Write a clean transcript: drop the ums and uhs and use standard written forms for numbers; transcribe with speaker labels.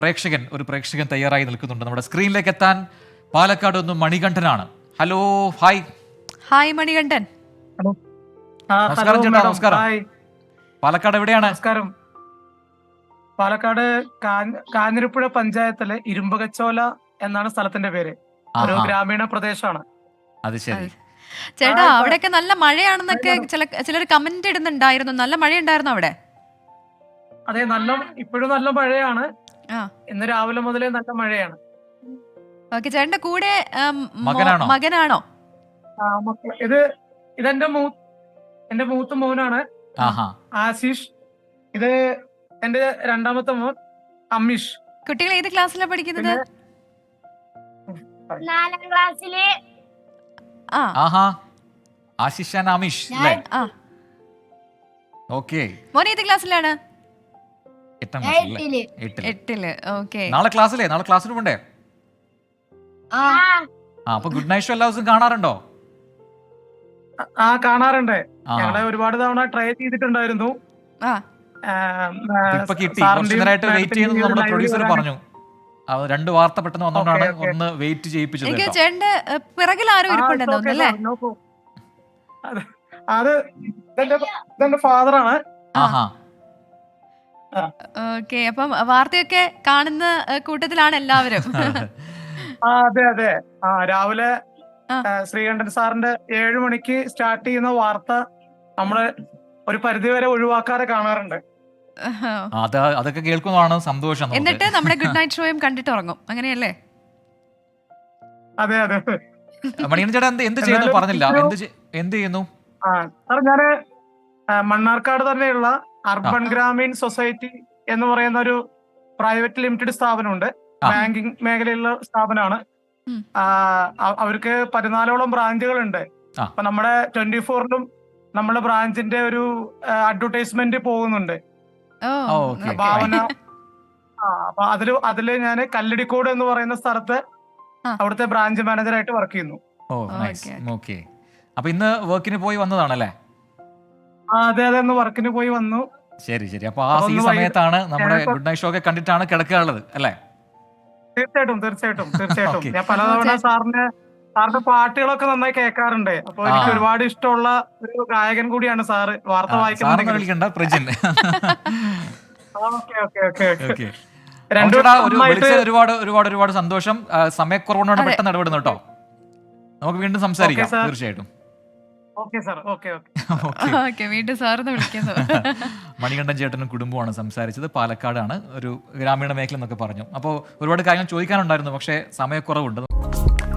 Speaker 1: പ്രേക്ഷകൻ തയ്യാറായി നിൽക്കുന്നുണ്ട്. നമ്മുടെ സ്ക്രീനിലേക്ക് എത്താൻ പാലക്കാട് ഒന്ന് മണികണ്ഠനാണ്. Hello, hi.
Speaker 2: Hi Manikandan.
Speaker 3: Hello.
Speaker 1: നമസ്കാരം ചേട്ടാ. നമസ്കാരം. പാലക്കാട് എവിടെയാണ്?
Speaker 3: നമസ്കാരം. പാലക്കാട് കാഞ്ഞിരപ്പുഴ പഞ്ചായത്തിലെ ഇരുമ്പകച്ചോല എന്നാണ് സ്ഥലത്തിന്റെ പേര്. ഒരു ഗ്രാമീണ പ്രദേശമാണ്.
Speaker 1: അത് ശരി.
Speaker 2: ചേട്ടാ, അവിടെയൊക്കെ നല്ല മഴയാണെന്നൊക്കെ ചിലർ കമന്റ് ഇടുന്നുണ്ടായിരുന്നു. നല്ല മഴയുണ്ടായിരുന്നു അവിടെ?
Speaker 3: അതെ, ഇപ്പോഴും നല്ല മഴയാണ്. ഇന്ന് രാവിലെ മുതലേ നല്ല മഴയാണ്.
Speaker 2: ഓക്കെ, ചേട്ടന്റെ കൂടെ
Speaker 1: മകനാണോ?
Speaker 3: ഇതെന്റെ എന്റെ മൂത്ത മോനാണ് ആശീഷ്. ഇത് എന്റെ രണ്ടാമത്തെ മോൻ അമ്മീഷ്.
Speaker 2: കുട്ടികൾ ഏത് ക്ലാസ്സിലാണ് പഠിക്കുന്നത്?
Speaker 4: 4ാം ക്ലാസ്സില്.
Speaker 1: ആശിഷ് ആൻഡ് അമീഷ് അല്ലേ? ഓക്കേ.
Speaker 2: മോൻ ഏത് ക്ലാസ്സിലാണ്?
Speaker 1: 8ാം ക്ലാസ്സിൽ.
Speaker 2: 8ല്. ഓക്കെ.
Speaker 1: നാളെ ക്ലാസ്സിന് പോണ്ടേ? അപ്പൊ ഗുഡ് നൈറ്റ് ഷോ എല്ലാ ദിവസവും കാണാറുണ്ടോ?
Speaker 3: കാണാറുണ്ട്. ഞങ്ങളെ ഒരുപാട് തവണ ട്രൈ ചെയ്തിട്ടുണ്ടായിരുന്നു.
Speaker 1: ഇപ്പൊ കിട്ടി. കുറച്ചു നേരമായിട്ട് വെയിറ്റ് ചെയ്യുന്നത് നമ്മുടെ പ്രൊഡ്യൂസർ പറഞ്ഞു. 2 വാർത്ത പെട്ടെന്ന് വന്നോണ്ടാണ് ഒന്ന് വെയിറ്റ് ചെയ്യിപ്പിച്ചത്.
Speaker 2: ചേട്ടന്റെ പിറകിൽ ആരോ ഇരിപ്പുണ്ടെന്ന് തോന്നുന്നല്ലേ?
Speaker 3: അത് ഇതെന്റെ ഫാദറാണ്.
Speaker 2: ഓക്കെ, അപ്പം വാർത്തയൊക്കെ കാണുന്ന കൂട്ടത്തിലാണ് എല്ലാവരും.
Speaker 3: അതെ അതെ. രാവിലെ ശ്രീകണ്ഠൻ സാറിന്റെ 7 മണിക്ക് സ്റ്റാർട്ട് ചെയ്യുന്ന വാർത്ത നമ്മള് ഒരു പരിധിവരെ ഒഴിവാക്കാതെ കാണാറുണ്ട്.
Speaker 1: അതൊക്കെ കേൾക്കുന്നതാണ് സന്തോഷം.
Speaker 2: എന്നിട്ട് നമ്മുടെ ഗുഡ് നൈറ്റ് ഷോയും കണ്ടിട്ട് ഉറങ്ങും, അങ്ങനെയല്ലേ?
Speaker 3: അതെ അതെ.
Speaker 1: മണികണ്ഠൻ ചേട്ടാ എന്ത് ചെയ്യുന്നു പറഞ്ഞില്ല. എന്ത് ചെയ്യുന്നു?
Speaker 3: സാർ, ഞാന് മണ്ണാർക്കാട് തന്നെയുള്ള അർബൻ ഗ്രാമീൺ സൊസൈറ്റി എന്ന് പറയുന്ന ഒരു പ്രൈവറ്റ് ലിമിറ്റഡ് സ്ഥാപനമുണ്ട്. ബാങ്കിങ് മേഖലയിലുള്ള സ്ഥാപനമാണ്. അവർക്ക് 14ഓളം ബ്രാഞ്ചുകളുണ്ട്. അപ്പൊ നമ്മുടെ 24ലും നമ്മുടെ ബ്രാഞ്ചിന്റെ ഒരു അഡ്വർടൈസ്മെന്റ് പോകുന്നുണ്ട്. ഭാവന. അപ്പൊ അതില് ഞാൻ കല്ലടിക്കോട് എന്ന് പറയുന്ന സ്ഥലത്ത് അവിടുത്തെ ബ്രാഞ്ച് മാനേജറായിട്ട് വർക്ക് ചെയ്യുന്നു.
Speaker 1: അപ്പൊ ഇന്ന് വർക്കിന് പോയി വന്നതാണല്ലേ?
Speaker 3: അതെ അതെ, ഇന്ന് വർക്കിന് പോയി വന്നു.
Speaker 1: ശരി. അപ്പൊ ഈ സമയത്താണ് നമ്മുടെ ഗുഡ് നൈറ്റ് ഷോ ഒക്കെ കണ്ടിട്ടാണ് കിടക്കാനുള്ളത് അല്ലേ?
Speaker 3: തീർച്ചയായിട്ടും. ഞാൻ പലതവണ സാറിന്റെ പാട്ടുകളൊക്കെ നന്നായി കേൾക്കാറുണ്ട്. അപ്പൊ എനിക്ക് ഒരുപാട് ഇഷ്ടമുള്ള ഒരു ഗായകൻ കൂടിയാണ് സാറ്. വാർത്ത വായിക്കുന്ന
Speaker 1: ഒരുപാട് സന്തോഷം. സമയക്കുറവിനോട് പെട്ടെന്ന് ഇടപെടുന്നു കേട്ടോ. നമുക്ക് വീണ്ടും സംസാരിക്കാം തീർച്ചയായിട്ടും.
Speaker 2: വീണ്ടും സാറിന് വിളിക്കുന്നു.
Speaker 1: മണികണ്ഠൻ ചേട്ടനും കുടുംബമാണ് സംസാരിച്ചത്. പാലക്കാടാണ്, ഒരു ഗ്രാമീണ മേഖല എന്നൊക്കെ പറഞ്ഞു. അപ്പോൾ ഒരുപാട് കാര്യങ്ങൾ ചോദിക്കാനുണ്ടായിരുന്നു, പക്ഷേ സമയക്കുറവുണ്ട്.